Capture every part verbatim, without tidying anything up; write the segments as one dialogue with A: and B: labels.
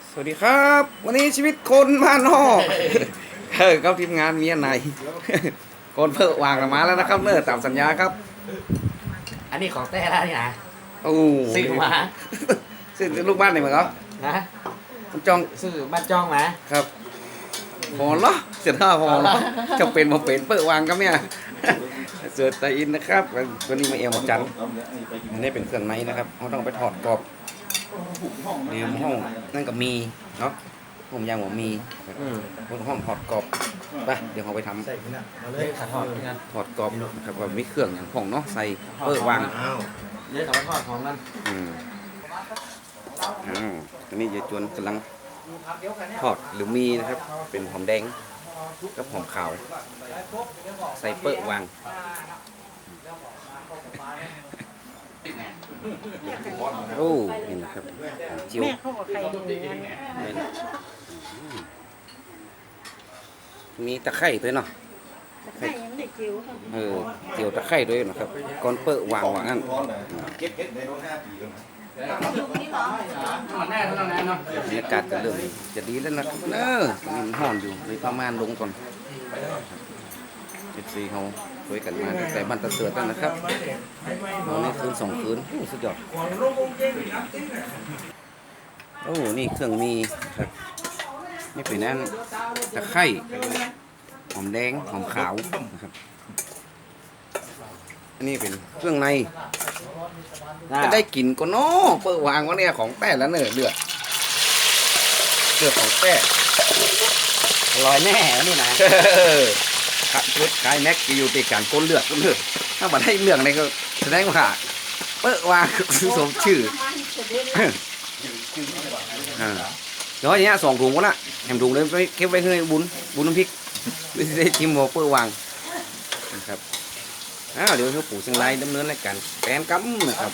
A: สวัสดีครับวันนี้ชีวิตคนบ้านนอกเออครับทีมงานเมียไหนคนเพิ่งวางกันมาแล้วนะครับเมื่อตามสัญญาครับ
B: อันนี้ของแต้แล้วนี่นะ
A: โอ้
B: ซื้อมา
A: ซื้อลูกบ้านไหนมาครับ
B: นะ
A: คุณจอง
B: ซื้อบ้านจ้องมา
A: ครับพอเหรอเสียท่าพอเหรอจะเป็นมาเป็นเปิดวางครับเนี่ยเสือไตอินนะครับตัวนี้มาเอวมาจันอันนี้เป็นเครื่องในนะครับเขาต้องไปถอดกรอบเดี๋ยวห้องนั่นก็มีเนาะผมยางผมมีบนห้องถอดกรอบไปเดี๋ยวเขาไปทำ
B: เลยขาทอดเหมือนกัน
A: ถอดกรอบนะครับว่ามีเครื่องอย่างของเนาะใส่เปิดวาง
B: เดี๋ยวเขามาทอดของกัน
A: อืมอ้าวอันนี้ยายจวนกำลังทอดหรือมีนะครับ เป็นหอมแดงกับหอมขาว ใส่เปิดวางโอ้เห็นนะครับหอมเจียว
C: แม่เขากับใครดูงั้น
A: มีตะไคร้ด้วยเนาะ
C: แต่ใครยังไม่ได้จิ๋วค่ะ
A: เออเจียวตะไคร้ด้วยนะครับก่อนเปิดวางวางนั่น
B: แน่เท่านั้นเนาะ
A: บรรยากาศจะเริ่มจะดีแล้วนะครับเออตอนนี้มันห่อนอยู่เลยประมาณลงก่อนเจ็ดสี่เขาช่วยกันมาตั้งแต่บ้านตะเสือตั้งนะครับนอนในคืนสองคืนโอ้สุดยอดโอ้นี่เครื่องมีครับนี่เป็นนั่นตะไคร้หอมแดงหอมขาวนะครับอันนี้เป็นเครื่องในจะได้กลิ่นก็เนาะเปิดวางว่าเนี่ยของแป้แล้วเนอะเลือดเลือดของแป้
B: อร่อยแน่แล้วนี่นะ
A: ขัดรถขายแม็กอยู่ติดการก้นเลือดก้นเลือดถ้าบัดให้เรื่องอะไรก็แสดงว่าเปิดวางสมชื่ออ่าเดี๋ยวอย่างเงี้ยสองถุงก็ละแถมถุงเลยไปเก็บไว้ให้บุญบุญน้ำพริกไม่ได้ชิมหมเปิดวางนะครับอ้าวเดี๋ยวเขาปู่เชียงรายดำเนินรายการแกนกั๊มนะครับ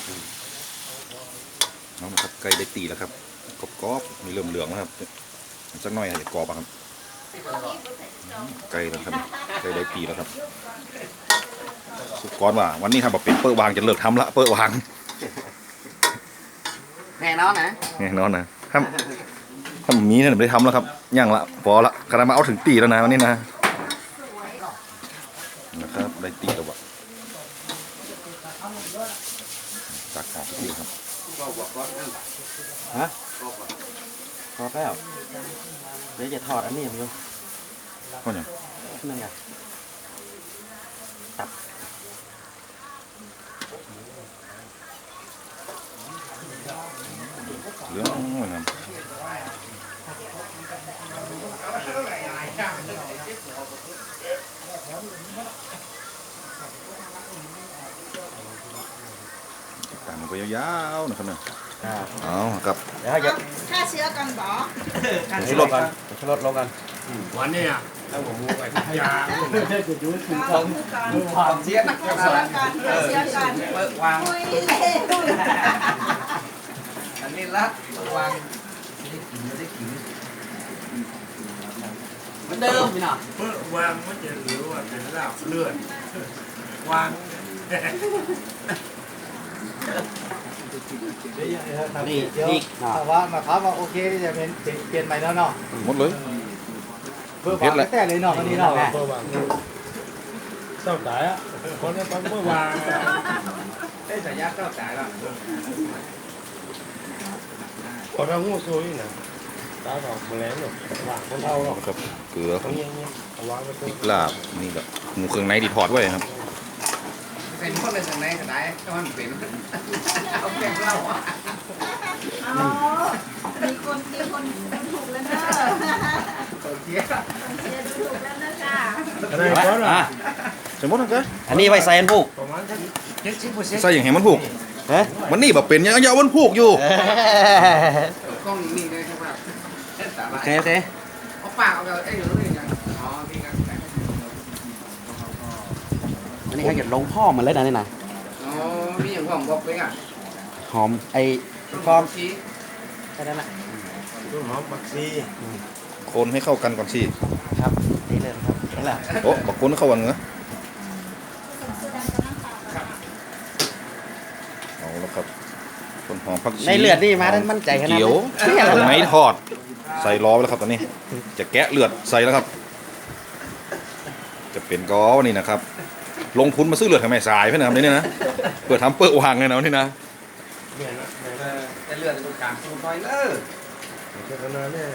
D: เอาละครับไก่ได้ตีแล้วครับกรอบๆมีเริ่มเหลืองแล้วครับสักหน่อยอาจจะกรอบอะครับไก่แล้วครับไก่ได้ตีแล้วครับสุกก้อนว่าวันนี้ทำแบบเป็นเปิดวางจะเลิกทำละเปิดวาง
B: แน่นอนนะ
D: แน่นอนนะถ้าถ้ามีเนี่ยไม่ได้ทำแล้วครับย่างละพอละขนาดมาเอาถึงตีแล้วนะวันนี้นะนะครับได้ตีแล้ววะตักออกทีครับ
B: ฮะทอดแล้วเดี๋ยวจะทอดอันนี้ผมดู
D: ก็อย่าง
B: นั่นไง
D: เหลืองเหมือนกันตามมันก็ยาวๆนะครับเนี่ยเอาครับ
B: เดี๋ยวจะ
C: ฆ่าเชื้อกันบ่
D: ชุดรถกัน
B: ชุดรสลงกัน
E: วันนี้อ่ะถ้าผมมูไปยา
A: ความเสียนะ
C: ฆ่าเชื้อกันฆ่าเชื้อกัน
A: เปิดวาง
C: คุยเล่น
A: อันนี้ละเปิดวางได้กินไม่ได้กิน
B: เหมือนเดิมพี่น้อง
E: เมื่อวางมันจะเหลือว่าเป็นลาบเลือดวาง
B: นี่นี่เนาะ
F: แต่ว่ามาครับว่าโอเคที่จะเป็นเปลี่ยนใหม่แล้วเนาะ
D: หมดเลย
F: เพื่อฟังแต่เลยเนาะวันนี้เนาะ
E: เมื่อวางเศร้าตายอ่ะคนนี้เมื่อวาง
A: ได้สายยาเข้าสายแล้ว
E: คนเรางูซุยนะตาดอกแมลงหรอกวางคนเท่าหรอก
D: ครับเกลือค
E: เขา
D: รับ
E: เงี้ยเงี้ยเอาวางไว้ตรง
D: พริกลาบนี่แหละหมูเครื่องในดีทอดไว้ครับ
A: เป็นคนเลยสังไหนก็ได้ก็มันเป็นเอาแก้เล่าอ่ะ
C: อ๋อมีคนมีคนดูถูกแล้วเนอะ
A: เสีย
C: คนเชียร์ดูถูกแล้วเนอะจ้า
E: อะไรก็ล่ะ
D: ใส่หมดนะจ๊ะ
B: อันนี้ไว้ใส่อันผูก
E: ประมาณสักเจ็ดสิบเปอร์เซ็นต์
D: ใส่อย่างเห็นมันผูก
B: เฮ้ย
D: มันนี่แบบเป็นยังยาวมันผูกอยู่
A: กล้องนี่เลยครับ
B: โอเคโอเค
A: เอาปากเอาไอ้หนูนี่ยังอ๋อพี่กัน
B: อันนี้เขาจะลงพ่อมันเลยนะนี่นะ
A: อ๋อมีอย่างผมบอกเลยอ่ะ
B: หอมไอ้ฟอม
A: ชี้
B: แค่นั้นแหละ
E: ต้นหอมบักซี
D: คนให้เข้ากันก่อนสิ
B: ครับนี่เลยครับนี่แหละ
D: โอ้บอกคนให้เข้ากันเหรอเอาแล้วครับต้นหอมผักชี
B: ในเลือดนี่มาได้มั่นใจขนาด
D: เกี๊ยว
B: นี้
D: เครื่องในทอดใส่ล้อไว้แล้วครับตอนนี้ จะแกะเลือดใส่แล้วครับ จะเป็นก้อนี่นะครับ ลงทุนมาซื้อเลือดทำไมสายเพื่อนนะครับนี่นะเปิดทำเปิดวางเลยนะนี่นะ
E: เนี่ยนะเนี่ย
A: แต่เลือดตรงกลางสูงไปเลย
E: เจ้าคณะเนี่ย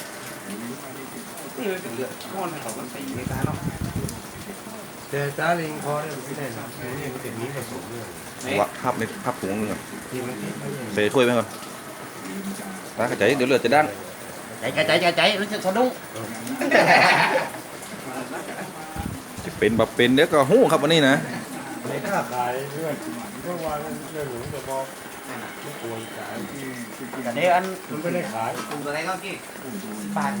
A: นี่มันเป็นเลือดก้อนของมันตีในตาเนาะ
E: แต่ตาลิงคอเนี่ยมันไม่ได้นะนี่มันเป็นนี้ผสมด้วย
D: ว่าภาพในภาพถุงนึงก่อน
E: ที่มันที่ไม่ใช่
D: ใส่ถ้วยไปก่อนตากระจายเดี๋ยวเลือดจะดัง
B: ใจใจใจใจรู้สึกสะดุ้ง
D: จะเป็นแบบเป็นเดี๋ยวก็หู้ครับวันนี้นะ
E: ในค่าขายเพื่อนเมื่อวานเรื่องหนูจะบอกไม่ควรขาย
B: แต่เดี๋ยวอัน
E: มันไม่ได้ขาย
A: ปรุงตัวไหนก็กี่
B: บาท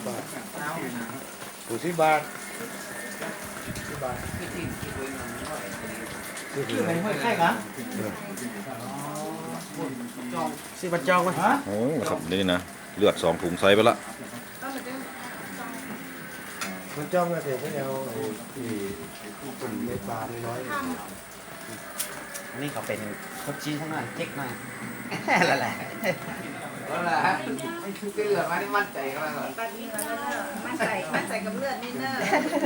E: ถูกสิบบาทสิบบาท
A: ที่ที่ที่คุยมันไม่ค่อย
B: ที่ไหนห้วยไข่กันสิบัตรจองไหมฮะ
D: โอ้ครับนี่นะเลือดสองถุงใส่ไปละ
E: มันจ้องนะเด็กไม่เอาไอ้ที่ตุ่มเม็ดปลาน้อย
B: นี่เขาเป็นคนจีนข้างหน้าเจ๊กหน่อยละแหละ
A: ก็แหละไม่ชุบเลือดมาที่มั่นใจก็แล้ว
C: ปัดนี้แล้วก็มั่นใจมั่นใจกับเลือดนี่เนอะ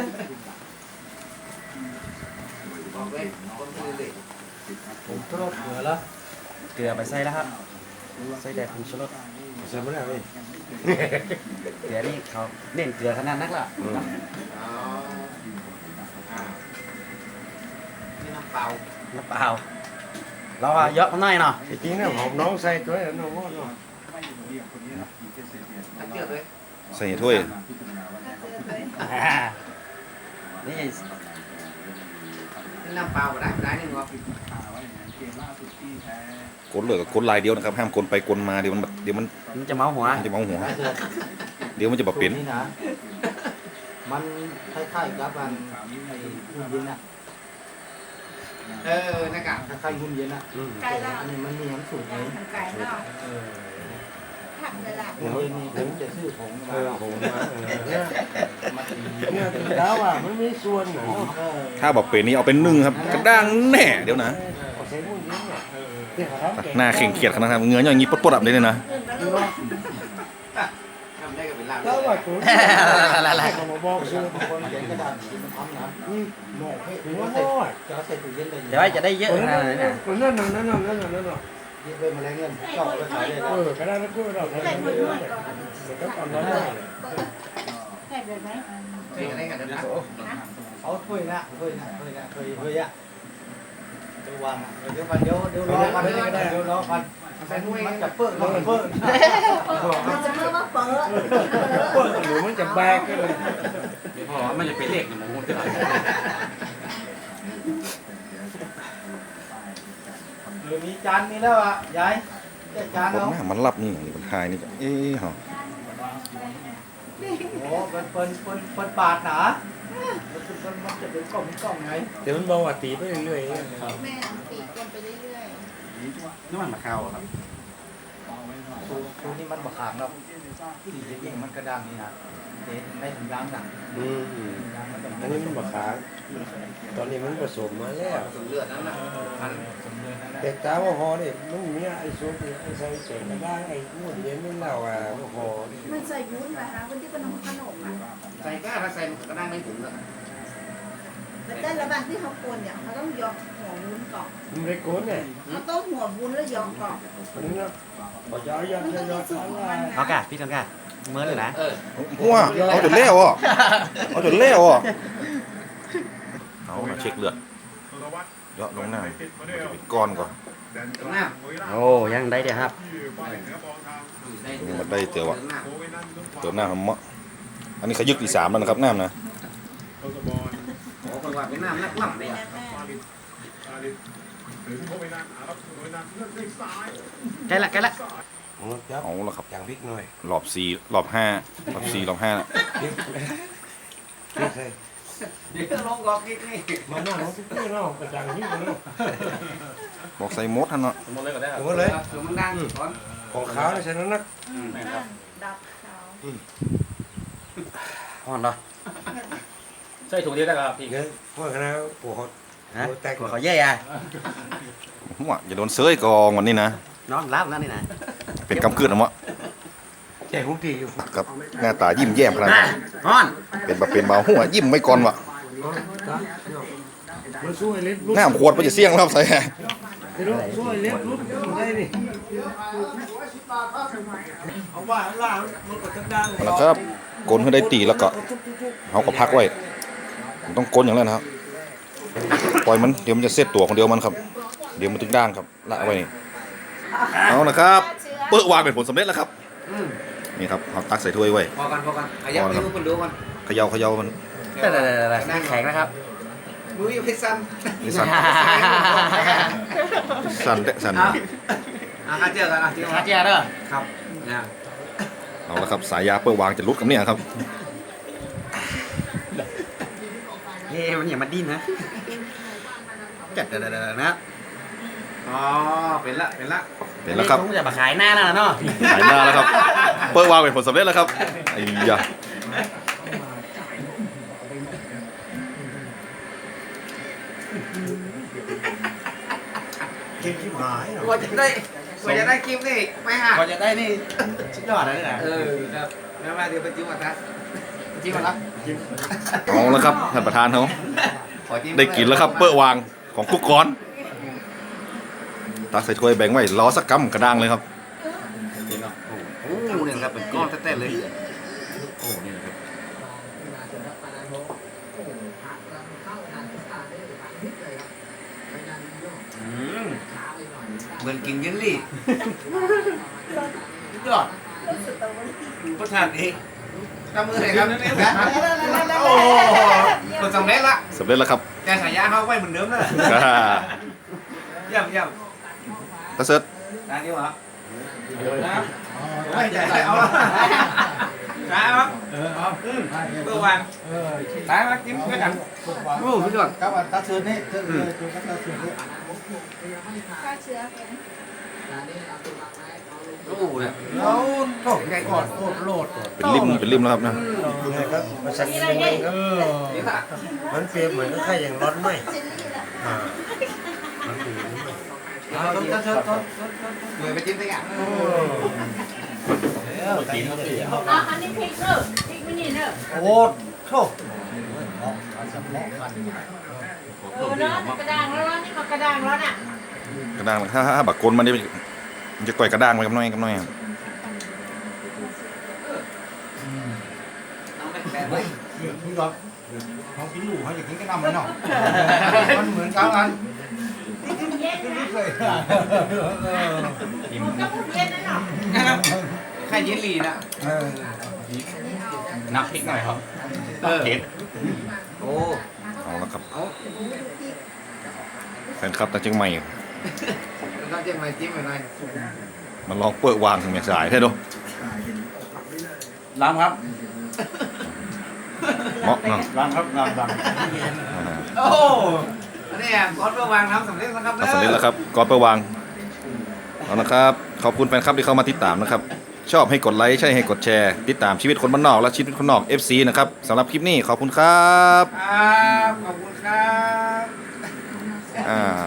A: บอกเลยคนที่เลย
E: ผมทอดเกลือแล้ว
B: เกลือไปใส่แล้วครับใส่แต่ผงชูรส
E: ใส่ไม่ได้เลย
B: เกลือนี่เขาเน้นเกลือขนาดนักละ
A: อ๋อนี่น้ำเปล่า
B: น้ำเปล่าเราอะเยอะหน่อยเนาะ
E: จริงๆเนี่ยหอมน้องใส่ตัวนี้น้องว่าน้อง
A: ถ้าเจือเลย
D: ใส่ถ้วย
B: นี่
A: นี่น้ำเปล่าก็ได้ได้หนึ่งวะ
D: กดเลือดกับกดลายเดียวนะครับห้ามกดไปกดมาเดี๋ยวมันเดี๋ยวมัน
B: มันจะเมาหัว
D: มันจะเมาหัวเดี๋ยวมันจะแบบเป็น
F: นี่นะมันคล้ายๆกับอันไอ้หุ่นเย็นอะ
A: เออนะครับ
F: คล้ายๆหุ่นเย็นอะ
C: ไก่ละ
F: อันนี้มันมีน้ำสูตรไหม
C: ทำไก่เนาะ
F: เออ
C: ผักเลยล่ะ
F: หุ่นเย็นนี่ผมจะซื้อผง
E: เอ
F: มา
E: อผมมาเออเนี่ย
F: มาตี
E: เนี่ยถึงแล้วอ่ะมันมีส่วนหนู
F: เออ
D: ถ้าแบบเป็นนี่เอาเป็นนึ่งครับกระด้างแน่เดี๋ยวนะ
E: เอาใส่หุ่นเย็นเนี่ยเนี่ยเขาทำเก่ง
D: หน้าเข่งเขียดขนาดนั้นเหงืออย่างนี้ปดๆแบบนี้เลยนะ
A: ทำได้ก็เป็นลาบ
E: แล้วว่าตัว
B: ละละ
E: เขามาบอกซื้อ
F: คนเขียนกระดาษที่มันทำนะ
E: อืมหมอกให้ถึง
F: จะ
E: ว่า
F: เอา
E: โอ้
F: ใส่
E: ย
F: จะเอาใส่ตู้เย็นได้
B: เดี๋ยวจะได้เยอะขนาดนั้นนะ
E: นั่นน่ะนั่นน่ะนั่นน่ะนั่นน่ะ
F: ที่ไปมาแล้วเงินเจาะไปขายได้
E: เออกระดาษแล้วก็เราทำได้เลยมันก็ตอนนั้นเลย
C: ใส่เลยไหม
A: เฮ้ยอะไรกันเดี๋ยวนะ
F: เอาถ้วยนะถ้วยนะถ้วยนะถ้วยถ้วยอะเดี๋ยววางอะเดี๋ยวมันเดี๋ยวเดี๋ยวรอกันเดี๋ยวรอกันมันจะเปิดมันเปิด
C: มันจะเพิ่มว่าเปิด
E: เปิดหรือมันจะแบกเลย
B: พอมันจะเป็นเลขเนี่ยมัน
F: หรือมีจานนี้แล้วอ่ะยายแค่จาน
D: ผม
F: เอา
D: หน้ามันรับนี่อย่างนี้มันหายนี่ก็เอ๊ะเหรอ
F: โอ้เป็นเป็นเป็นเป็นบาทหนามันเป็นเป็นมันจะเป็นกล่องเป็นกล่องไง
E: เดี๋ยวมันบอกว่าตีไปเรื่อยๆ
C: แม่ตีกันไปเรื่อย
B: นี่มันมะขาวครับ
F: สูสูนี่มันบะขางเนาะที่จริงๆมันกระด้างนี่นะเด็ดได้ถึงยางหนัง
E: อืม
F: ยางมันต้อง
E: อันนี้มันบะขางตอนนี้มันผสมมาแล้ว
A: สูเลือดนั่นน่ะมัน
E: แต่ตาว่าพอเนี่ยมันมีไอ้ซุปไอ้ใส่เจ๋งกระด้างไอ้นู่นเย็นนี่เราอ่ะว่าพอ
C: ๆมันใส่วุ้นนะคะวุ้นที่เป็นขนมอ่ะ
A: ใส่ก้าถ้าใส่มันก็ได้ไม่ถึงเลย
C: แล้วแต่ละบางที่เขากวนเนี่ยเขาต้องยกหัววุ้นก่อน
E: มันไม่โกนเนี่ย
C: เขาต้องหัววุ้นแล้วยกก่อน
E: นี่นะบอกย้อยย้อย
C: มัน
E: ย้
C: ต้
E: อ
C: อย ง
E: ย้อย
C: มีสูตรของมันนะ
B: เอากะพี่กันกะเมื่อเลยนะ
A: เออ
D: ว้าเอาจนเล้วอ่ะเอาจนเล้วอ่ะเอามาเช็คเลือดเยอะลงหน้าปิดก้อนก่อน
A: ตรงหน้า
B: โอ้ยังได้เดี๋ยวครับ
A: ได้
D: นี่มันได้เจอวะ
A: หน้า
D: เติมหน้าทำเมาะอันนี้ขยึกที่สามแล้วนะครับน้ำนะ
A: โอ้คนว่าเป็นน้ำนักล่ำเลย
C: แม่
A: อ่ะ
C: แม่
B: ใกล้ละใกล้ละ
E: จับ
D: เอาละครับ
E: อย่างพริกหน่อย
D: รอบสี่รอบห้ารอบสี่รอบห้า
E: พริกใส่
A: เดี๋ยวลงกอกนิดนี่
E: มาหน้าของพริกเนาะกระจังพริกเนาะ
D: บอกใส่มดท่านเนาะ
E: หมดเลย
A: คือมันดังก่อน
E: ของขาวใส่นั้นนัก
C: นั่นดับเขา
B: ห่อนเหรอ
G: ใส่ถุงเดียวได้ครับพี่
E: เงี้ยพวกคณะปวด
B: ฮะ
E: แตก
B: หัวเขาเย่อะ
D: หัวอย่าโดนเซยกองวันนี้นะ
B: น้องรับแล้วนี่นะ
D: เป็นกำกืดนะมะ
F: แจกของดีอยู่
D: ครับหน้าตายิ้มแย้มขนาดนั้น
A: ฮ้อน
D: เป็นแบบเป็นเบาหัวยิ้มไม่ก่อนวะ
E: มันช่วยเล็บรุด
D: หน้าขวดมันจะเสี่ยงแล้วครับใส่
E: ช่วยเล็บรุดได้นี่เอาว่าล่างมันก็จะดัง
D: แล้วครับกลนให้ได้ตีแล้วก็เขาก็พักไว้มันต้องกลนอย่างนั้นนะครับปล่อยมันเดี๋ยวมันจะเซตตัวคนเดียวมันครับเดี๋ยวมันถึงด้านครับละไว้นี่เอานะครับเปิดวางเป็นผลสำเร็จแล้วครับนี่ครับเอาตักใส่ถ้วยไว้
A: พอกันพอกันขยับให้ทุกคนดูกัน
D: เขย่าเขย่ามัน
B: แต่แต่แต่แข็งนะครับ
A: มือยังไม่สั่น
D: นี่สั่นสั่นเตะสั่น
A: อ่ะอ่ะเจอกันอ่ะเจอ
B: ชา
A: กัน
B: เจียเด้อ
A: ครับเนี่ย
D: เอาละครับสายยาเปิดวางจะรุดกับเนี่ยครับ
A: เฮ้มันอย่ามาดิ้นนะจัดเดี๋ยวๆๆนะอ๋อเป็นละเป็นละ
D: เห็นแล้วครับ
B: ผมจะมาขายหน้าแล้วเนาะ
D: หายหน้าแล้วครับเปิดวางเป็นผลสำเร็จแล้วครับไอ้ยา
E: กินชิบหายเหรอก
A: ว่าจะได้กว่าจะได้คลิปนี่ไม่ห่าง
B: พอจะได้นี่สุดยอดเลยนะ
A: เออครับแล้วมาเดี๋ยวไปจิ้มก่อนนะจิ้มก่อนนะ
D: เอาแล้วครับท่านประธานเขา
A: ขอจิ้ม
D: ได้กินแล้วครับเปิดวางของกุ๊กก้อนตักใส่ถ้วยแบ่งไว้ล้อสักกำกระด้างเลยครับ
A: โอ้โหเนี่ยครับเป็นก้อนแต้ๆเลยโอ้นี่นะครับอืมเหมือนกินเยลลี่สุดยอดรสชาติดีทำมือไหนครับโอ้โหผลสำเร็จละ
D: สำเร็จแล้วครับ
A: แต่ฉายาเขาไว้เหมือนเดิมเลย
D: อ่า
A: เยี่ยมเยี่ยม
D: ตาเซิร์ต
A: ได้ดีวะนะไม่ใจใส่เอาละได้ครับเออเอาเพื่อวางได้มาจิ้มด้วยกันโอ้สุดยอด
F: ครับตัดเสือนี่เสือจุดตัดเสือนี่
C: ฆ่าเชื้อเป็น
A: โอ้เนี่ย
E: เราโตใหญ่ก่อนโคตรโลด
D: เป็นริมเป็นริมแล้วครับนะ
E: ไงครับมาสักนิดนึงครับ
A: นี่ค่ะ
E: มันเปรียบเหมือนกับไข่อย่างร้อนไหม
C: เจลลี่ละ
E: อ่า
A: เอาต้นต้นต้นต้นเหมือนไปจิ้มได้ไง
C: อ๋ออันนี้พริกเนอะพริกไม่นี่เนอะ
F: โอ้โห
C: เออเนาะกระด้างแล้วเนาะนี่ก็กระด้างแล้วน่ะ
D: กระด้างถ้าถ้าบักกลมันนี่มันจะก่อยกระด้างไปกับน้อยกับน้อยครับ
A: น้องแม่แม่
F: พี่ก่อนเขากินหมูเขาอยากกินกระนำเลยเนาะมันเหมือนกันกัน
C: เย็นนะ
F: เลย
C: มันก็พูดเย็นนะเนาะ
A: ไข่เยลลี่นะ
F: เออ
G: นับพริกหน่อยครับ
A: เออ
G: เผ็ด
A: โอ้
D: เอาละครับ
A: เอา
D: แฟนคลับตาเชียงใหม่
A: ต้องจิ้มอะไรจิ้มอะไร
D: มันลองเปิดวางถึงแม่สายใช่ดู
B: ล้ำครับ
D: เหมาะเนาะ
B: ล้ำครับล้ำล้
D: อ่า
A: โอ้อันนี้ก้อนเพื่อวางทำสำเร็จนะครับ
D: ทำสำเร็จแล้วครับก่อนเปิดวางเอานะครับขอบคุณแฟนคลับที่เข้ามาติดตามนะครับ ชอบให้กดไลค์ใช่ให้กดแชร์ ติดตามชีวิตคนบ้านนอกและชีวิตคนนอก เอฟ ซี นะครับสำหรับคลิปนี้ขอบคุณครับ
A: ครับขอบคุณครับ
D: อ่า